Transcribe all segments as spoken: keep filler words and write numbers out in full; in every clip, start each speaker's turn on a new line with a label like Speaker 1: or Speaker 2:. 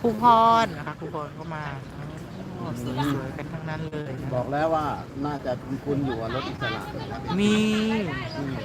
Speaker 1: รูพรนะคะครูพรก็มาโอ้สวยๆกันทั้งนั้นเลยนะ
Speaker 2: บอกแล้วว่าน่าจะคุ้นๆอยู่ว่ารถอิสระ
Speaker 1: มี
Speaker 2: อืม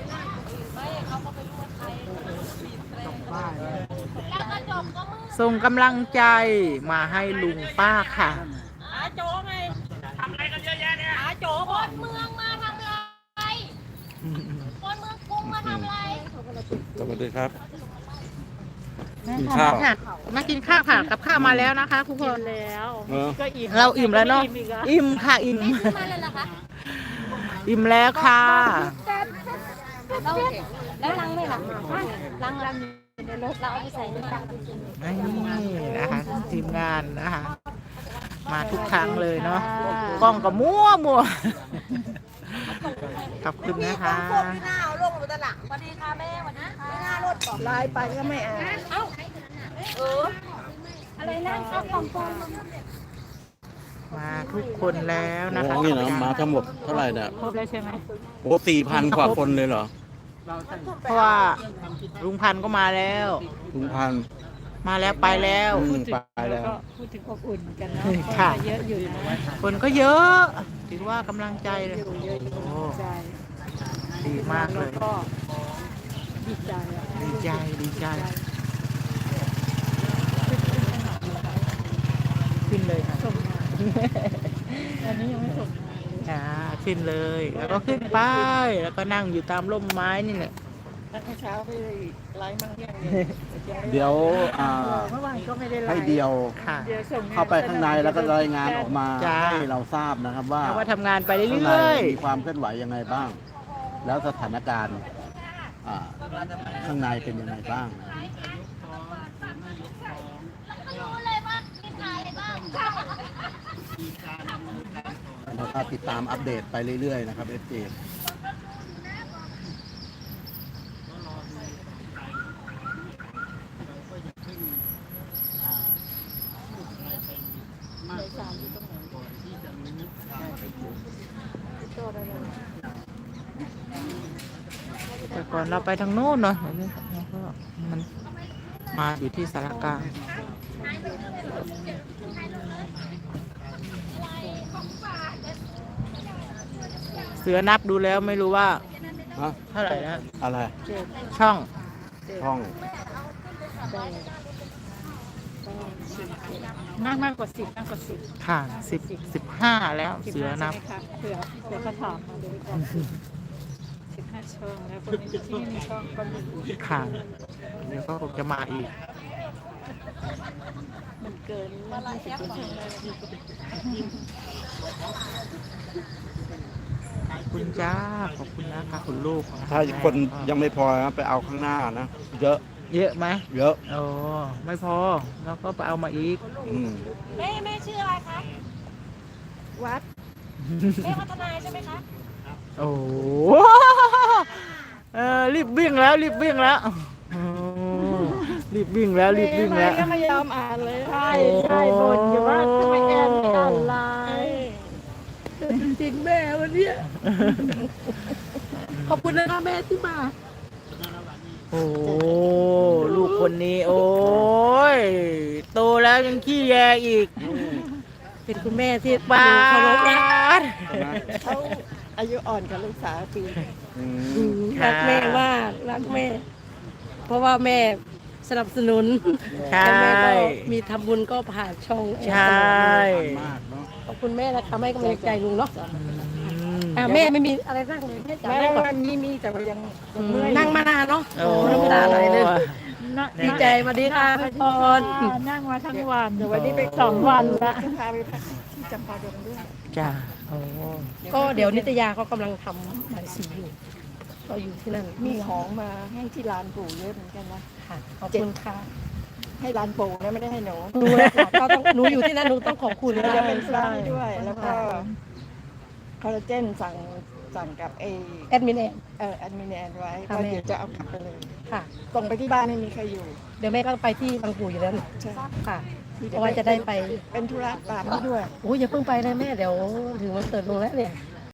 Speaker 1: ส่งกำลังใจมาให้ลุงป้าค่ะ
Speaker 3: หาโจไงทำอะไรกันเยอะแยะเนี่ยหาโจคนเมืองมาทำอะไรคนเมืองกรุงมาทำอะไร
Speaker 4: สวัสดีครับ
Speaker 1: กิ
Speaker 4: กินข้าว
Speaker 1: มากินข้าวค่ะกับข้าวมาแล้วนะคะทุกคน
Speaker 3: แล้ว
Speaker 4: เออ
Speaker 3: ก็อิ่ม
Speaker 1: เราอิ่มแล้วเนาะอิ่มค่ะอิ่ม
Speaker 3: มาเลยเหรอคะ
Speaker 1: อิ่มแล้วค่ะ
Speaker 3: แล้วแล้วลังไม่หลังลังลังในรถเราเอาไปใส่ในตัง
Speaker 1: นี่นะคะทีมงานนะคะ มาทุกครั้งเลยเนาะกล้องก็มั่วมัวขอบคุณนะคะ
Speaker 3: สวัสดีค่ะแม่สวัสดีค่ะหน้ารถบอก
Speaker 5: ไลน์ไปก็ไม่อ่าน
Speaker 3: เอ้าเอออะไรนะข้าวกล่องกล่อง
Speaker 1: มาทุกคนแล้ว
Speaker 4: โอ้
Speaker 1: นะคะ
Speaker 4: นี่นะมาทั้งหมดเท่าไหร่เนี่ย
Speaker 3: ครบแล้วใช่ไหม
Speaker 4: โอ้สี่พันกว่าคนเลยเหรอ
Speaker 1: เพราะว่าลุงพันธุ์ก็มาแล้ว
Speaker 4: ลุงพัน
Speaker 1: มาแล้วไปแล้ว
Speaker 4: อืมไปแล้ว
Speaker 3: ก็พูดถึงอบอุ่นกันเนาะ
Speaker 1: ค่ะ
Speaker 3: เยอะอยู่นะ
Speaker 1: คนก็เยอะถือว่ากำลังใจเลยโอ้
Speaker 3: ใจ
Speaker 1: ดีมากเลย
Speaker 3: ก็ดีใจอะ
Speaker 1: ดีใจดีใจขึ้นเลยค่ะ
Speaker 3: ส่งมาอันนี้ยังไม่ส่งมาเลย
Speaker 1: อ่าขึ้นเลย แล้วก็ขึ้นไปแล้วก็นั่งอยู่ตามร่มไม้นี่แหละ
Speaker 5: แล้วเช้าไปไลน์มั่งยัง
Speaker 2: เดี๋ยวอ่า
Speaker 3: เมื่อวานก็ไม่ได้ไล
Speaker 2: ให้
Speaker 3: น์
Speaker 2: เดียว
Speaker 1: ค่ะ
Speaker 3: เดี๋ยวส่ง
Speaker 2: เข้าไปข้างในแล้วก็รายงานออกมา
Speaker 1: จ้า
Speaker 2: ให้เราทราบนะครับว่า
Speaker 1: แล้วว่าทำงานไป
Speaker 2: ข้างใน
Speaker 1: เรื่อย
Speaker 2: มีความเคลื่อนไหวยังไงบ้าง แล้วสถานการณ์อ่าข้างในเป็นยังไงบ้าง
Speaker 3: รู้เลยว่ามีใครบ้าง
Speaker 2: เราก็ติดตามอัปเดตไปเรื่อยๆนะครับเอฟจี
Speaker 1: ๆแต่ก่อนเราไปทางโน้นเนาะแล้วก็มันมาอยู่ที่สารกลางเสือนับดูแล้วไม่รู้ว่า
Speaker 4: ฮะ
Speaker 1: เท่าไหร่นะ
Speaker 4: อะไร
Speaker 1: ช่อง
Speaker 4: ช่อง
Speaker 3: มากมากกว่าสิบมากกว่าสิบ
Speaker 1: ค่ะสิบสิบห้าแล้วเสือนับ
Speaker 3: ใช่ไหมคะเผื่อเผื่อเขาถามมาดูก่อนสิบห้าช่องแล้วคนที่ไม่มีช่องก็มี
Speaker 1: ค่ะเดี๋ยวก็คงจะมาอีก
Speaker 3: มันเกินยี่สิบคนเลย
Speaker 1: ขอบคุณจ้าขอบคุณนะคะคุณลูก
Speaker 4: ถ้าคนยังไม่พอนะไปเอาข้างหน้านะ เยอะ
Speaker 1: เยอะไหม
Speaker 4: เยอะ
Speaker 1: โอ้ไม่พอแล้วก็ไปเอามาอีก
Speaker 4: อืม
Speaker 3: แม่แม่ชื่ออะไรคะ
Speaker 5: วัด
Speaker 3: แม่พัฒนาใช่ไหมคะ
Speaker 1: โอ้โหเออรีบวิ่งแล้วรีบวิ่งแล้วโอ้รีบวิ่งแล้วรีบวิ่งแล้ว
Speaker 5: ก็ไม่ยอมอ่านเลย
Speaker 3: ใช่ใช่บ่นอยู่ว่าทำไมแอนไม่อ่านไลน์
Speaker 5: จริงแม่วันเนี้ยขอบคุณนะคะแม่ที่มา
Speaker 1: โอ้ลูกคนนี้ โอ้ยโตแล้วยังขี้แยอีก
Speaker 5: เป็นคุณแม่ที่
Speaker 1: ปา
Speaker 5: เคารพนะ
Speaker 1: ด
Speaker 4: ใช่ไหม
Speaker 5: เขาอายุอ่อนกับลูกสาวปี
Speaker 4: อืม
Speaker 5: รักแม่มากรักแม่ เพราะว่าแม่สนับสนุน
Speaker 1: ใช่
Speaker 5: แล้วแม่ก็มีทำบุญก็ผ่านช่อง
Speaker 1: ใช่
Speaker 2: มากเนาะ
Speaker 5: ขอบคุณแม่นะคะให้กำลังใจลุงเนาะ
Speaker 1: อืม
Speaker 5: อ่ะแม่ไม่มีอะไรนั่งเลยแม่จ๋า
Speaker 3: แม่
Speaker 5: นั่งก่อน
Speaker 3: วันนี้มีแต่ว่ายัง
Speaker 5: อืมนั่งมานานเนาะ
Speaker 1: โอ้
Speaker 5: น้ำตาไหลเลย
Speaker 3: นั่ง
Speaker 5: ดีใจสวัสดีค่ะพี่พร
Speaker 3: นั่งมาทั้งวันเดี๋ยววันนี้ไปสองวันละ
Speaker 5: พาไปพักที่จำปาดงด้วย
Speaker 1: จ้าโอ้
Speaker 5: ก็เดี๋ยวนิตยาเขากำลังทำใบายสีอยู่ ก็อยู่ที่นั่น
Speaker 6: มีของมาให้ที่ร้านปู่เยอะเหมือนกันนะ
Speaker 5: ค่ะขอบคุณค่ะ
Speaker 6: ให้ร้านปู่นะไม่ได้ให้หนู
Speaker 5: หนูเลยค่ะก็ต้องหนูอยู่ที่นั่นหนูต้องขอบคุณ
Speaker 6: เดี๋ยว
Speaker 5: นะ
Speaker 6: จะเป็นร้านให้ด้วย แล้วก็คอลลาเจนสั่งสั่งกับเอ
Speaker 5: แอดมินเอง
Speaker 6: เออแอดมินแอนไว้
Speaker 5: ค่ะ
Speaker 6: ก็
Speaker 5: แม่
Speaker 6: เดี๋ยวจะเอากลับไปเลย
Speaker 5: ค่ะ
Speaker 6: ส่งไปที่บ้านไม่มีใครอยู่
Speaker 5: เดี๋ยวแม่ก็ไปที่บางปูอยู่แล้วนี่
Speaker 6: ใช่
Speaker 5: ค่ะเพราะว่าจะได้ไป
Speaker 6: เป็นธุระตามนี้ด้วย
Speaker 5: โอ้ยอย่าเพิ่งไปนะแม่เดี๋ยวถึงวันเกิดลุงแล้วเนี่ย